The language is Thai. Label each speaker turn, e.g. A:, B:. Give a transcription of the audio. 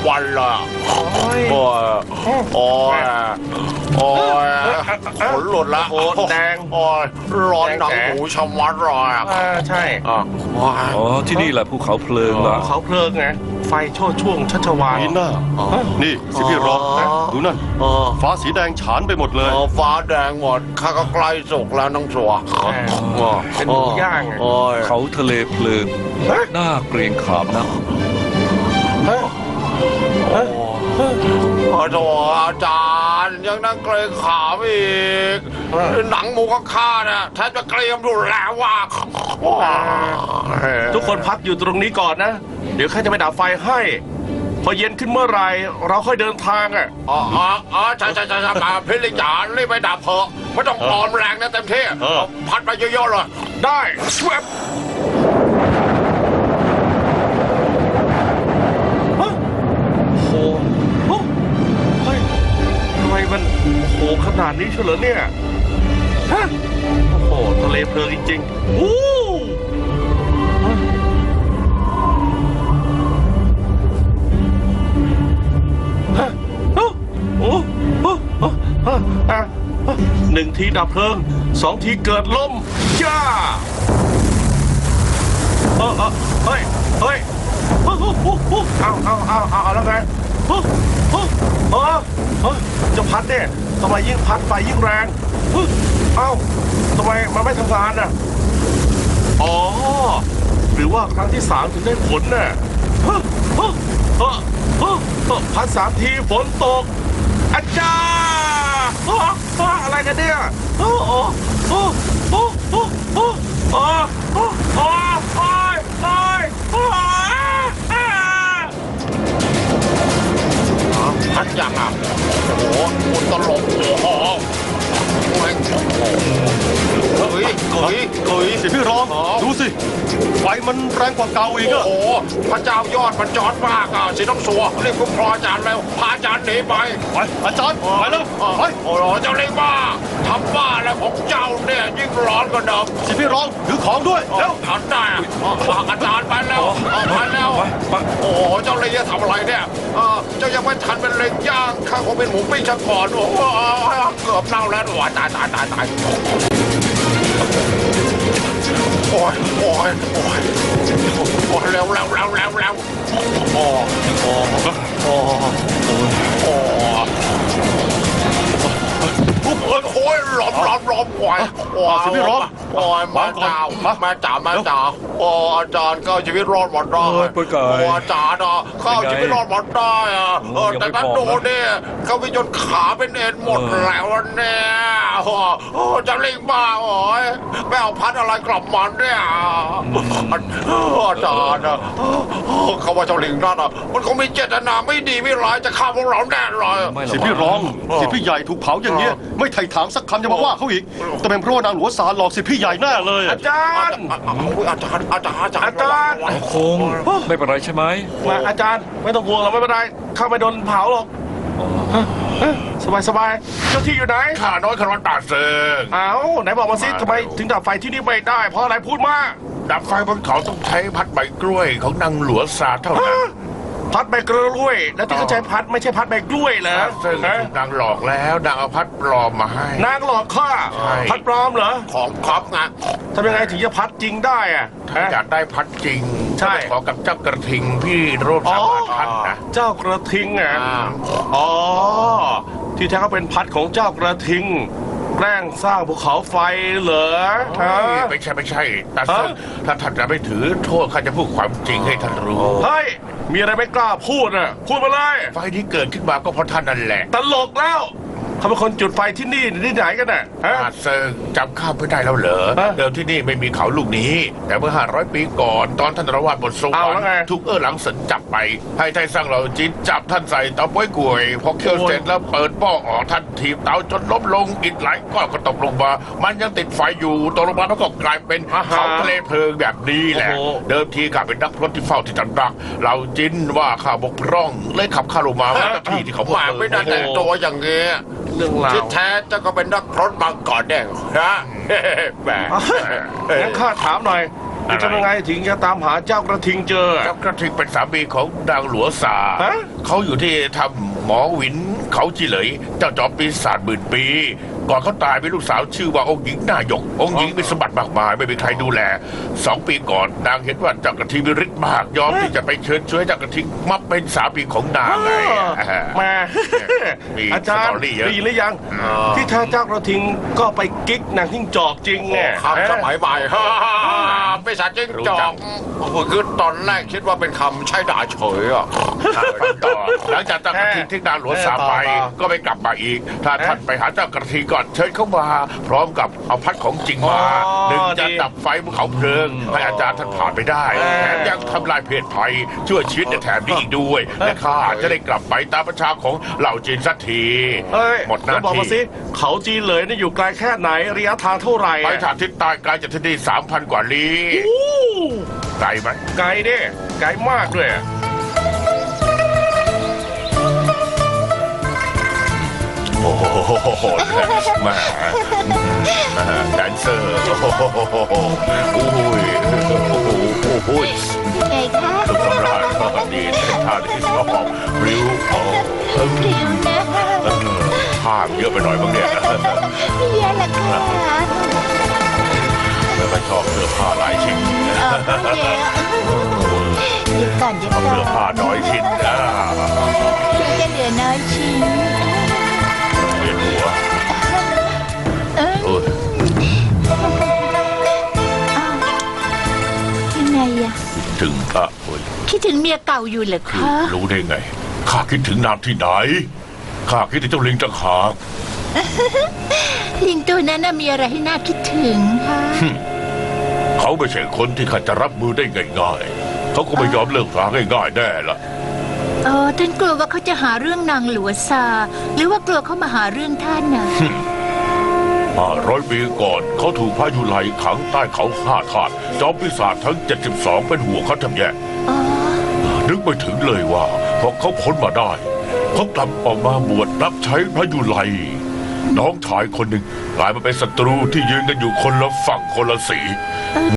A: วันเลยโอ้ยโอ้ยขนหลุดละแดงโอ้ยร้อนหนังหูชะมัดเลยใช่
B: อ๋อที่นี่แหละภูเขาเพลิงละ
A: เขาเพลิงไงไฟโชดช่วงชัชวาล
C: นี่น่านี่สิพี่รองดูนั่นฟ้าสีแดงฉานไปหมดเลย
A: ฟ้าแดงหมดข้าก็ใกล้สุกแล้วน้องสัวเป็นหมูย่าง
B: เขาทะเลเพลิงน่าเกรงขามนะ
A: โอ้โหอาจารย์ยังนั่งเกรงขามอีกหนังหมูข้าเนี่ยแทบจะเกรียมดูแล้วว่าทุกคนพักอยู่ตรงนี้ก่อนนะเดี๋ยวข้าจะไปดับไฟให้พอเย็นขึ้นเมื่อไรเราค่อยเดินทางอ่ะใช่พี่ลิจารีบไปดับเถอะไม่ต้องปลอมแรงนะเต็มที่พัดไปเยอะๆเลยได้สวบมันโหขนาดนี้เฉลิมเนี่ยฮะโอ้โหทะเลเพลิงจริงๆอู้หนึ่งทีดับเพลิงสองทีเกิดลมจ้าเฮ้ยเอาแล้วไงจะพัดเนี่ยทำไมยิ่งพัดไฟยิ่งแรงเอ้าทำไมมันไม่ทำงานน่ะอ๋อหรือว่าครั้งที่3ถึงได้ฝนน่ะพัด3 ทีฝนตกอาจารย์อะไรกันเนี่ยพัดยังอ่ะโอ้โหคุณตลกโอ้โหเฮ้ย
C: สิพี่รองดูสิไฟมันแรงกว่าเก่าอีกอะ
A: โอ้โหพระเจ้ายอดมันจอดมากอ่ะสิต้องสัวรีบคุ้มครองอาจารย์แล้วพาอาจารย์หนีไป
C: อาจารย์ไปแล้วไป
A: โอ้โหเจ้าเล็กบ้าทำบ้าแล้วของเจ้าเนี่ยยิ่งร้อนกว่าเดิม
C: สิพี่รองถือของด้วย
A: เร็วทันได้อาจารย์ไปแล้วโอ้โหเจ้าเล็กจะทำอะไรเนี่ยเจ้ายังไม่ทันเป็นเล็กย่างข้าคงเป็นหมูปิ้งซะก่อนโอ้โหเกือบเน่าแล้วโอ้ยตายโอ้ยเร็วโอ้ยหลอมโอ้ย
C: สิพี่รอง
A: โอ้ยมาจ่าโอ้อาจารย์ก็ชีวิตรอดหมดได้อาจารย์เข้าชีวิตรอดหมดได้แต่นั้นโดนเนี่ยเขาไปจนขาเป็นเอ็นหมดแล้วเนี่ยจะเล่งบ้าโอ้ยไม่เอาพัดอะไรกลับมันเนี่ยอาจารย์เขาว่าเจ้าลิงนั่นมันคงมีเจตนาไม่ดีไม่ร้ายจะฆ่าพวกเราแน่เลย
C: สิพี่รองสิพี่ใหญ่ถูกเผาอย่างเงี้ยไม่ไถ่ถามสักคำจะมาว่าเขาอีกแต่เป็นเพราะว่านางหลวงสารหลอกสิพี่ใหญ่แน่เลย
A: อาจารย์
B: คงไม่เป็นไรใช่ไหม
A: มาอาจารย์ไม่ต้องห่วงเราไม่เป็นไรข้าไม่โดนเผาหรอกสบายเจ้าที่อยู่ไหนข้าน้อยขนตาเซิงไหนบอกมาสิทำไมถึงดับไฟที่นี่ไม่ได้เพราะอะไรพูดมาดับไฟบนเขาต้องใช้พัดใบกล้วยของนางหลวงสาเท่านั้นพัดใบกล้วยแล้วที่เขาใช้พัดไม่ใช่พัดใบกล้วยเหรอซึ่งนางหลอกแล้วนางเอาพัดปลอมมาให้นางหลอกข้าพัดปลอมเหรอของครอบไงทำยังไงถึงจะพัดจริงได้อะถ้าอยากได้พัดจริงใช่ขอกับเจ้ากระทิงพี่รูปสามารถพัดนะเจ้ากระทิงอ่ะที่แท้ก็เป็นพัดของเจ้ากระทิงแกล้งสร้างภูเขาไฟเหรอไม่ใช่แต่ถ้าท่านจะไม่ถือโทษข้าจะพูดความจริงให้ท่านรู้เฮ้ยมีอะไรไม่กล้าพูดน่ะพูดมาเลยไฟที่เกิดขึ้นมาก็เพราะท่านนั่นแหละตลกแล้วเขาเป็นคนจุดไฟที่นี่ที่ไหนกันน่ะเซิงจำข้าไม่ได้แล้วเหรอเดิมที่นี่ไม่มีเขาลูกนี้แต่เมื่อ500 ปีก่อนตอนท่านระวาดบนสวรรค์ถูกหลังเสินจับไปให้ไทยสร้างเหล่าจีนจับท่านใส่เตาป้วยกล้วยพอเคี่ยวเสร็จแล้วเปิดป้อออกท่านถีบเตาจนล้มลงอิฐหลายก้อนก็ตกลงมามันยังติดไฟอยู่ตกลงมาแล้วก็กลายเป็นเขาทะเลเพลิงแบบนี้แหละเดิมทีข้าเป็นนักพรตที่เฝ้าที่จันรักเราจีนว่าข้าบกพร่องเลยขับข้าลงมาที่เขาบอกไม่ได้แต่งตัวอย่างเงี้ยที่แท้เจ้าก็เป็นนักพรตมาก่อนแน่นะแหมงั้นข้าถามหน่อยจะทำยังไงถึงจะตามหาเจ้ากระทิงเจอ
D: เจ้ากระทิงเป็นสามีของนางหลวงสา
A: ฮะ
D: เขาอยู่ที่ทำหมอหวินเขาจีเหลย เจ้าจอมปีศาจหมื่นปี ก่อนเขาตายมีลูกสาวชื่อว่าองค์หญิงนายก องค์หญิงมีสมบัติมากมายไม่มีใครดูแล2 ปีก่อนนางเห็นว่าเจ้ากระทิงมีฤทธิ์มากยอมที่จะไปเชิญช่วยเจ้ากระทิงมาเป็นสามีของนางไง
A: มา
D: มี
A: อาจารย์
D: สตอรี่เยอะ
A: ได้ยินหรือยัง ที่แท้เจ้ากระทิงก็ไปกิ๊กนางทิ้งจอกจริงไง
E: คำสมัยใหม่ฮ่าไม่สาจิ้งจอกคือตอนแรกคิดว่าเป็นคำใช้ด่าเฉยอ่ะ
D: ฟังต่อหลังจากเจ้ากระทิงที่นางหลวงสาไป ก็ไม่กลับมาอีก ถ้าท่านไปหาเจ้ากระทิงก่อนเชิญเข้ามา พร้อมกับเอาพัดของจริงมาหนึ่งจะดับไฟภูเขาเพลิงให้อาจารย์ท่านผ่านไปได้แถมยังทำลายเพศภัยช่วยชีวิตในแถบนี้อีกด้วยและข้าจะได้กลับไปตามประชาของเหล่าจีนสักที
A: เอ้ย
D: หมดหน้า
A: แล้วบอกมาสิ
D: ที่
A: เขาจีนเลยนี่อยู่ไกลแค่ไหนระยะทางเท่าไหร่
D: ไปทางทิศใต้ไกลจากที่นี่ 3,000 กว่าลี้
A: อู้
D: ไกลไหม
A: ไกลเด้ไกลมากด้วย
D: โอ้โหแหม่แดนเซอร์โอ้โหโอ้ยโอ้ย
F: ไงคะ
D: สุดสำราญดีเส้นทางที่ชอบริ้วโอ้
F: พริ้วนะ
D: ภาพเยอะไปหน่อยบ้างเนี่ย
F: ไม่เยอะละค่ะ
D: แล้วก็ชอบเสื้อผ้าหลายชิ้น
F: ไม่เยอะเดี๋ยวก่อนเดี๋ยว
D: ชอบ
F: ก่อ
D: เสื้อน ผ้าน้อยชิ้น
F: ถึงจะเหลือน้อยชิ้น
D: เวียนหัว
F: เอ้ย
D: โอ้ย
F: อ้าวยังไงอะ
D: ถึงโอ้ย
F: คิดถึงเมียเก่าอยู่เหรอคะ
D: รู้ได้ไงข้าคิดถึงนางที่ไหนข้าคิดถึงเจ้าลิงต่างหาก
F: ลิงตัวนั้นน่ะมีอะไรให้น่าคิดถึงคะ
D: เขาไม่ใช่คนที่ข้าจะรับมือได้ง่ายๆเขาก็ไม่ยอมเลิกราง่ายๆแน่ละ
F: ท่านกลัวว่าเขาจะหาเรื่องนางหลัวซา หรือว่ากลัวเขามาหาเรื่องท่านน่ะ
D: 500 ปีก่อนเขาถูกพายุไหลขังใต้เขาฆ่าทาสจอมปีศาจทั้ง 72 เป็นห่วงเขาทำแย่
F: อ๋อ
D: นึกไม่ถึงเลยว่าพอเขาพ้นมาได้ เขากลับออกมาบวชรับใช้พระยุไลน้องชายคนหนึ่งกลายมาเป็นศัตรูที่ยืนกันอยู่คนละฝั่งคนละสี